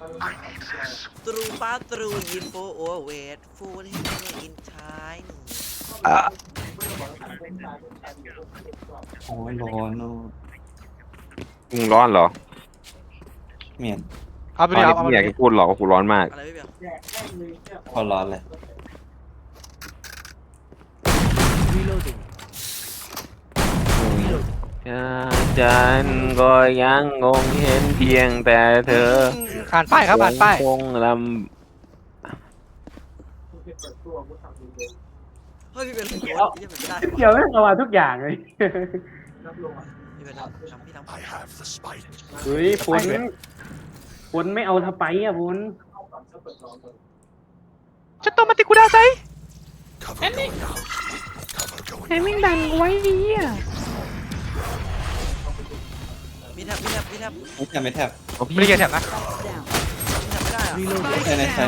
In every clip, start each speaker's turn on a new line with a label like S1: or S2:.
S1: ตรูป้าตรูยินโฟโอเวทฟูลให้อินชาย
S2: โอ้ยร้อนเนอะ
S3: มึงร้อนเหรอ
S2: เมียน
S4: เอาไป
S3: ตอน
S4: ดิ
S3: นี้
S4: เอา
S3: ไม่
S4: ไป
S3: อยาก
S4: ดิ
S3: จะพูดหรอกว่ากูร้อนมาก
S1: อะไรพี่เบียร์
S2: พอร้อนเลย
S3: ฉันก็ยังงงเห็นเพียงแต่เธอ
S4: อ่านป้ายครับอ่านป้าย
S3: คงล
S1: เฮ้ยพี่เบียร์เป็นโกดยังไม่ได้
S5: เกี่ยวไม่เอามาทุกอย่างเลย
S1: พี่เบียร์ทำพี่ทำ
S5: เฮ้ยฝนไม่เอาทะไปอ่ะฝน
S4: ฉันต้องมาติกูดาไซแอนนี่แอนนี่ดังไว้ดีอ่ะ
S1: มีแทบ
S2: ไม่แทบไม่แทบ
S3: ำ
S4: ไม่ได้เกียร์แถบนะ
S1: มีแทบไม่ได้อะ
S2: ใช่ใช่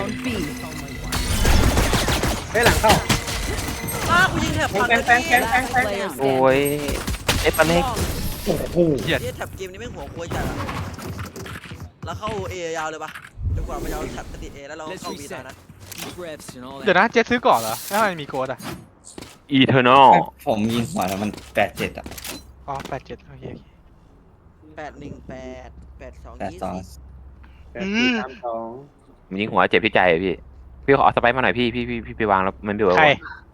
S5: เฮ้ยหลังเข้า
S1: กูยิงแทบผ่าน
S5: แฟง
S3: โอ้ยเอฟเล็ก
S5: โอ้โห
S4: เหี้ย
S1: แทบเกมนี้ไม่หัวควยจัดอะแล้วเข้าเอยาวเลยปะจนกว่ามันจะเอาแทบติดเอแล้วเราเข้าบีได้นะ
S4: เดี๋ยวนะเจ๊ซื้อก่อนเหรอแล้วทำไมมีโค้ดอ่ะ
S3: อีเทอร์นอล
S2: ผมยิงหัวแล้วมัน87อ่ะ
S4: อ๋อ87โอเค
S1: 818 82
S5: 8 4 3 2
S3: มันยิงหัวเจ็บที่ใจอะพี่พี่ขอเอาสไปร์มาหน่อยพี่ไปวางแล้วมันเดือด
S4: ใคร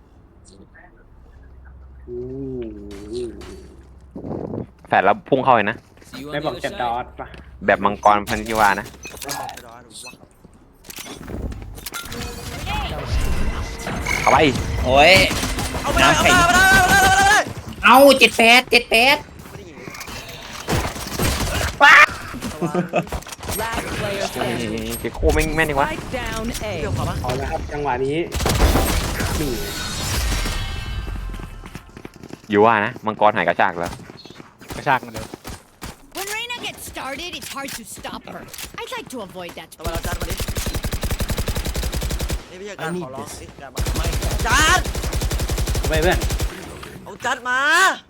S3: แฝดแล้วพุ่งเข้าเลยนะ
S5: ไม่บอกจะดอทป่ะ
S3: แบบมังกรพันธิวานะเอาไป
S2: โอ้ย
S1: เอาไปเลย
S2: เอา78 78
S1: ไม่ได้ยิง
S3: เจ๊โคแม่งแม่นดีวะ
S1: เกี่ยวขอปะ
S5: เอาละครับจังหวะนี้นี่
S3: อยู่ว่านะมังกรหายกระชากแล้ว
S4: กระชากมันเดี๋ยว
S6: When Reina gets started, it's hard to stop her. I'd like to avoid that.
S1: เอาไปเราจัดมาดินี่ไม่ใช่การขอร้องนี่การมาจัด
S5: เอาไปเพื่อน
S1: เอาจัดมา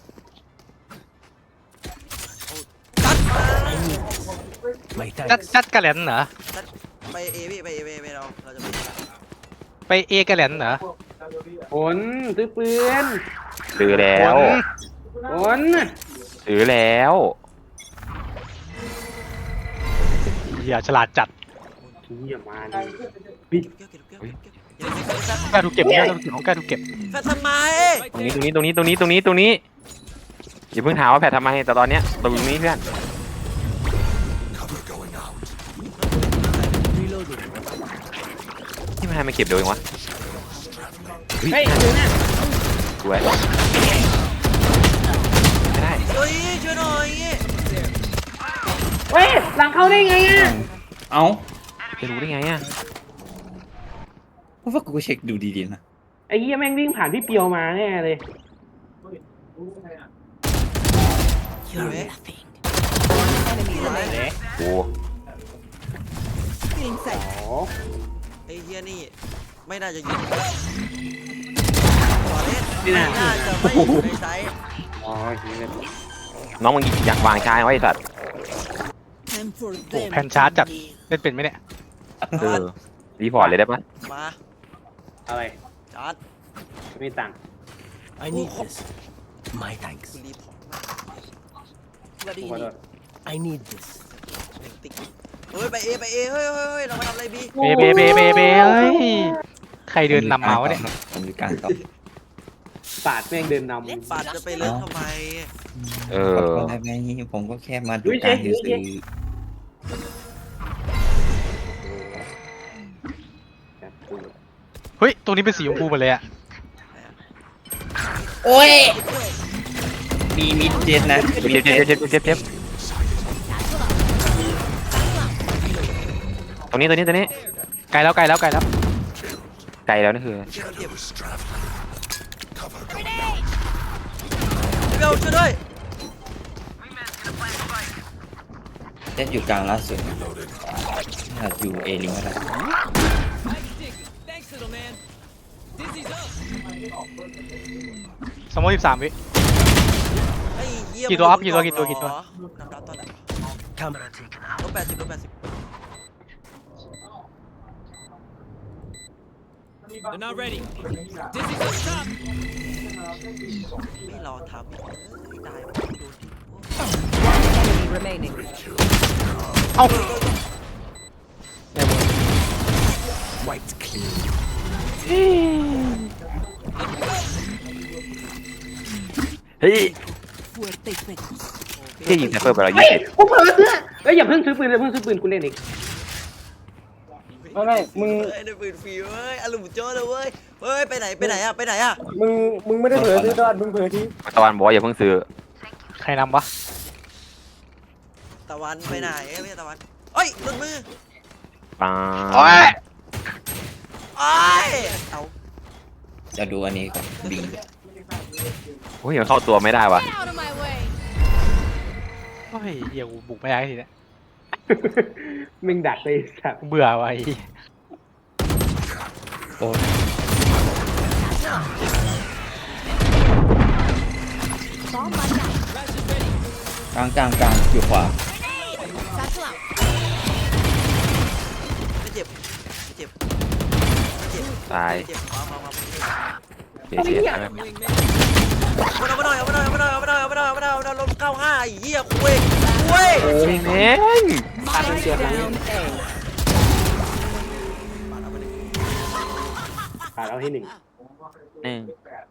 S1: จัดมา
S4: จัดกระแหลนเหรอ
S1: จัดไปเอพี่ไปเอไปเราจะไป
S4: ไปเอกระแหลนเหรอ
S5: ฝนซื้อปืน
S3: ซื้อแล้ว
S5: ฝน
S3: ซื้อแล้ว
S4: เหี้ยฉลาดจัด
S5: เฮียมาดิ
S1: เกี่ยวอย่าเก็บแฟ
S4: แกถูกเก็บเนี่ยของแกถูกเก็บ
S1: แฟทำไม
S3: ตรงนี้อย่าเพิ่งถามว่าแผดทำไมแต่ตอนเนี้ยตรงนี้เพื่อนที่มันให้มาเก็บเดี๋ยวเองวะ
S5: เฮ้ยดูนะ
S3: สวยไม่ได้
S1: เฮ้ยช่วยหน่อย
S5: เฮ้ยหลังเข้าได้ไงอ่ะ
S2: เอา
S3: จะรู้ได้ไงอ่ะ
S2: เพราะว่ากูเช็คดูดีๆนะ
S5: ไอ้เหี้ยแม่งวิ่งผ่านพี่เปียวมาแน่เลย
S1: เห็นไหม
S3: โอ้
S5: อ๋อ
S1: ไอ้เฮียนี่ไม่น่าจะยิงต่อเล่นไม่น่าจะไม่อยู่ในไซส์
S5: อ๋อเฮีย
S3: น้องมึงอยากวางชายไว้ไอ้สัตว์
S4: โอ้แผ่นชาร์จจัดเล่นเป็นไหมเนี่ย
S3: รีพอร์ตเลยได้ปะ
S1: มา
S5: อะไร
S1: จัด
S5: ไม่ตังค์
S1: I need this my thanks คุณรีพอร์ตมา
S5: ขอโทษ
S1: I need this ติ๊กเฮ้ยไปเอเฮ้ยเรามาทำอะไรบี
S4: เบเฮ้ยใครเดินนำเมาส์เนี่ย
S2: ผมมีการต่อ
S5: ปาดแม่งเดินน
S1: ปาดจะไปเลิกทำไม
S3: เอ
S2: ขอ
S3: อ
S2: โทษได้ไหมผมก็แค่มาดูการซื้อ
S5: ำ
S4: เฮ้ยตัวนี้เป็นสีชมพูหมดเลยอ่ะ
S2: โอ้ยมีมิดเจ็ดนะ
S3: เจ็บตรงนี้
S4: ไกลแล้ว
S3: ไกลแล้วนี่คือ
S1: เจ็บเบลช่วยด้วย
S2: เจ็ดอยู่กลางล่าสุดถ้าอยู่เอลิงก็ได้
S4: สมมติ13 วิ
S1: ไอ้เหี้ย
S4: กี่ตัวอัพกี่ตัว
S1: น้ำดาวตอนไหนลบ80
S7: They're not ready. Dizzy's up top.
S1: ไม่รอทำอีกได้โดนทิ้ง
S8: Enemy remaining.
S4: เอ้า
S7: Wiped clean.
S3: เฮ้ยที่ยิงไซเฟอร์ไปแล้ว
S5: เฮ้ย
S3: 20
S5: กูเผลอเสื้อเอ้ยอย่าเพิ่งซื้อปืนอย่าเพิ่งซื้อปืนกูเล่นอีก
S2: ไม่มึง
S1: เฮ้ยได้ปืนฟรีเว้ยอารมณ์โจ้เลยเว้ยเฮ้ยไปไหนอะไปไหนอะ
S2: มึงไม่ได้เผลอซื้อดอดมึงเผลอที่
S3: ตะวันบอกว่าอย่าเพิ่งซื้อ
S4: ใครนำวะ
S1: ตะวันไปไหนไม่ใช่ตะวันเฮ้ยหลุดมือ
S3: ปัง
S4: โอ้ย
S1: โอ้ยเอา
S2: จะดูอันนี้ก่อนบี
S3: โอ้ยมันเข้าตัวไม่ได้วะ
S6: Get out of my way.
S4: โอ้ยเหี้ยกูบุกไม่ได้ทีเนี้ย
S5: มึงดักเลยสัตว์
S4: เบื่อว่ะไอ้
S2: โอ้ย
S6: Bomb buddy out.
S2: กลางอยู่ขวา
S6: Satchel out.
S1: ไม่เจ็บไม่เจ็บไม่เจ็บ
S3: ตาย
S1: ไม่เจ็บเอา
S3: เสียเสียอะไร
S1: เอามาหน่อยลม95ไอ้เหี้ยคุย
S3: โอ้ยแม่ง
S8: Spike down A.
S5: ขาดเอาให้หนึ่ง
S3: หนึ่ง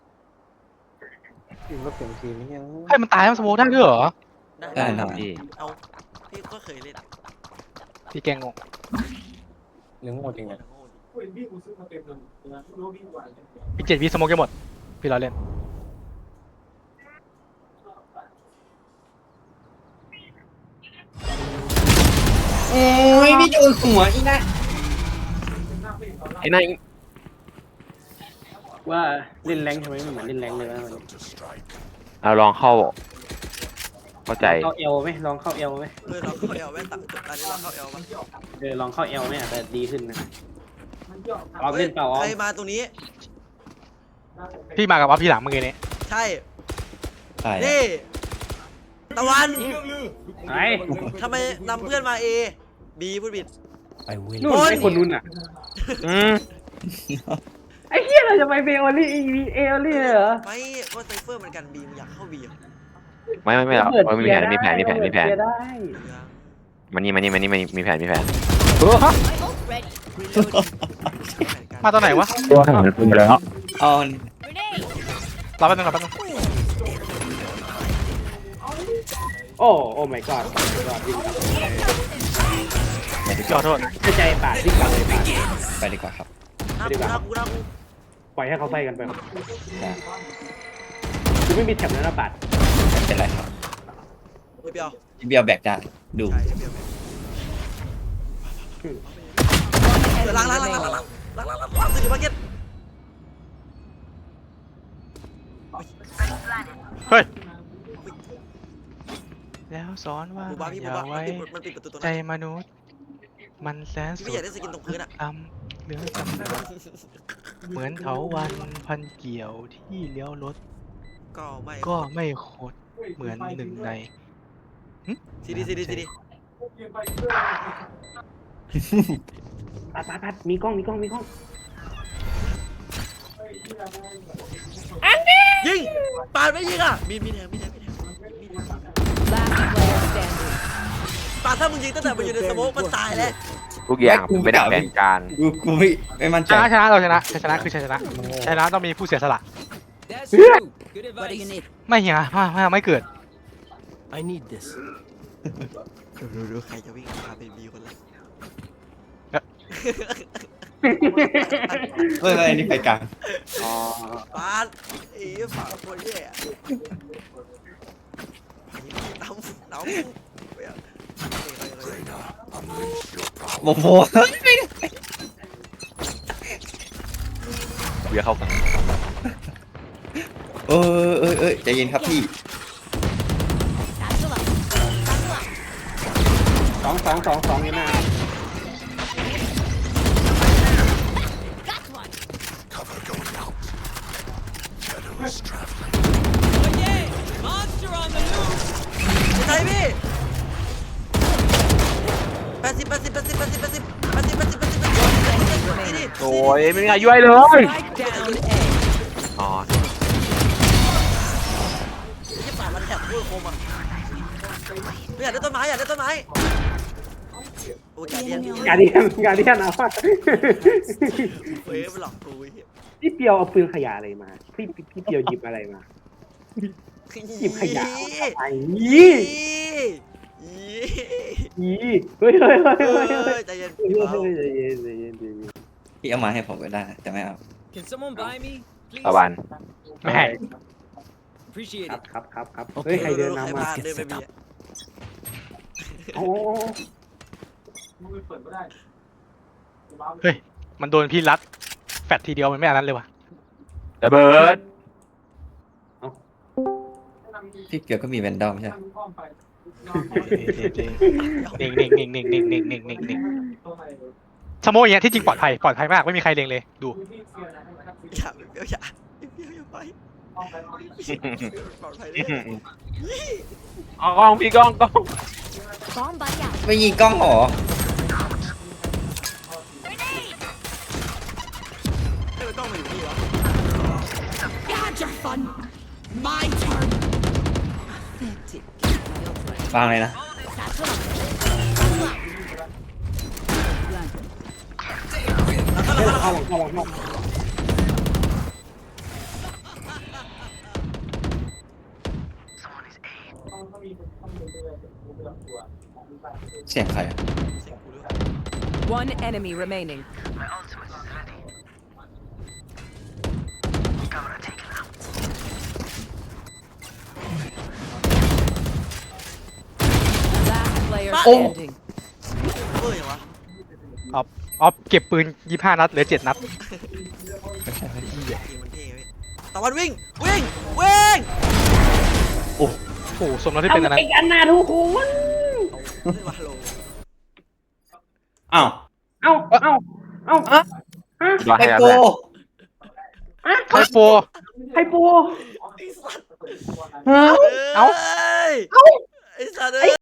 S4: ให้มันตายมันสโมกได้ด้วยเหรอ
S2: ได้
S3: ค
S2: ค
S3: รั
S2: รั
S3: บบ พี่
S1: เอาพี่ก็เคยเล่น
S4: พี่แกงงง
S2: เรื่องหมดจริงเลย
S4: พี่7 วิสโมกจะหมด พี่เราเล่น
S2: โอ้ยพี่โดนหัวอีกนะ
S3: ไอ้นั่น
S5: ว่าเล่นแรงทำไมไม่เหมือนเล่นแรงเลยวะ
S3: เราลองเข้าใจ
S5: เข้าเอลไหมลองเข้าเอลไหม
S1: เราเข้าเอลแม่ตัดจบตอนนี้เราเข้าเอลมา
S5: ลองเข้าเอลไหมอาจจะดีขึ้นนะออมเล่นเปล่าออ
S1: ใคร
S5: ม
S1: มาตรงนี้
S4: พี่มากับว่าพี่หลังเมื่อกี้นี้
S1: ใช่
S2: ใช่
S1: นี่ตะวัน
S5: ไอ้
S1: ทำไมนำเพื่อนมาเอบีพูดผิด
S5: นู่นไอ้คนนู้นอ่ะ
S3: อืม
S5: ไอ้เหี้ยเราจะไปเบลลี่เอลลี่เหรอ
S1: ไม่ก็ไซเฟอร์เหมือนกันบีมันอยากเข้าบี
S3: ไม่หรอกมีแผนมีแผน
S5: ได้
S3: มันนี่มีแผน
S6: My ult ready.
S4: มาตอนไหนวะ
S3: ตัวหายไปแล้ว
S2: เอา
S6: Grenade.
S4: รอแป๊บนึง
S5: โอ้ my god
S4: ขอโทษ
S5: เข้าใจปาดที่กลับเลยปาด
S2: ไปดีกว่าครับ
S1: น่ากู
S5: ปล่อยให้เขาไฟกันไป
S2: ได้
S5: กูไม่มีแถบแล้วนะปาด
S2: ไม่เป็นไรครับ
S1: ไม่เปียว
S2: พี่เบียวแบกได้ดู
S1: ใช่เปียวล้างสื่อมาเก็ต
S4: เฮ้ย แล้วสอนว่า
S1: บูบ้าพี่
S4: อ
S1: บู
S4: ย่า
S1: บ้า
S4: ไว้
S1: มันปิดประตูตรง
S4: ใจ
S1: นั้น
S4: มนุษย์ มันแสน
S1: พี่
S4: สุ
S1: ไม่
S4: ด
S1: อยากได้สกินตรงพื้นอ่ะ
S4: เหลือจำนวนเหมือนเถาวันพันเกี่ยวที่เลี้ยวรถ
S1: ก็ไม่
S4: ก็ไม่โคตรเหมือนหนึ่งใน
S1: ซีดี
S5: ปาดมีกล้อง
S1: ยิงปาดไม่ยิงอ่ะมีแทง
S8: Last player standing.
S1: ปาดถ้ามึงยิงตั้งแต่มันอยู่ในสโมกมันตายแล้ว
S3: ทุกอย่างเป็นแผนการ
S2: กูไม่มั่นใจ
S4: ชนะเราชนะคือชนะต้องมีผู้เสียสละ
S7: That's true. Good
S8: What do you
S7: advice.
S8: need?
S4: ไม่เหี้ยไม่เกิด
S7: I need this.
S1: ดูใครจะวิ่งพาไปบีคนแรก
S2: เฮ้ยอันนี้ไปกลาง
S5: อ๋อ
S1: ปาดไอ้ฝาคนแย่น้ำ
S2: โอ้โห
S3: เบียร์เข้ากัน
S2: ใจเย็นครับพี่
S6: Satchel out. Satchel out.
S5: 2 อยู่หน้า
S6: Got one.
S7: Oh yeah! Monster on the loose.
S1: ใช่พี่80นี่
S3: โอ้ยไม่มีใครย่วยเลย
S8: Strike down A.
S3: อ๋อ
S1: ยี่ป่ามันแถบพูดโคมอ่ะไม่อยากได้ต้นไม้อยากได้ต้นไม้โอ้ยการเดียน
S5: กาเดียนเอาว่า
S1: เฮ้ยมันหลอกกูไอ้เหี้ย
S5: พี่เปียวเอาปืนขยะอะไรมาพี่เปียวหยิบอะไรมาหยิบขยะไอ้ยี่เฮ้ย
S1: ใจเย็น
S5: ใจเย็น
S2: พี่เอามาให้ผมก็ได้แต่ไม่เอา
S7: Can someone buy me, please?
S3: ตะวันไม่ให้
S7: Appreciate
S5: ครับ
S7: it.
S5: เฮ้ยใครเดิน
S1: ใคร
S5: นำมา
S1: พาเดินไปบี
S5: โอ้
S4: เฮ้ยมันโดนพี่รัดแฟดทีเดียวมันไม่อันนั้นเลยว่ะ
S3: ระเบิด
S2: พี่เกียวก็มีแวนดอมใช่ไหม
S4: นิ่งชะโมยอย่างเงี้ยที่จริงปลอดภัยมากไม่มีใครเล็งเลยดู
S1: อย่าไปปลอดภัยเลย
S3: เอากล้องพี่กล้อง
S6: Bomb buddy out.
S2: ไม่ยิงกล้องหรอ
S1: เฮ้ยมันต้องมาอยู่นี่วะ
S6: Had your fun. My turn.
S2: วางเลยนะ
S6: That's what I'm
S5: เข้า
S2: เสียงใครอะ
S1: เสียงกูด้วย
S8: One enemy remaining. Last player standing.
S1: เฮ้ยยังวะ
S4: ออฟเก็บปืน25 นัดเหลือ7 นัด
S2: ไม่ใช่ไม่ใช่
S1: ยิงมันเท่เว้ยตะวันวิ่ง
S4: โอ้โหสมแล้วที่เป็นอันนั้น
S5: อีกอันนาทุกคน
S1: เฮ้ยมาโล
S2: อ้าว
S5: เอ้า
S3: รอ
S2: ไอ
S3: ให้แล้ว
S2: โก
S3: แม่
S4: ไฮโป
S5: ไฮปู
S1: ไอ้สัตว์
S4: เอ้า
S1: ไอ้สัตว์เอ้ย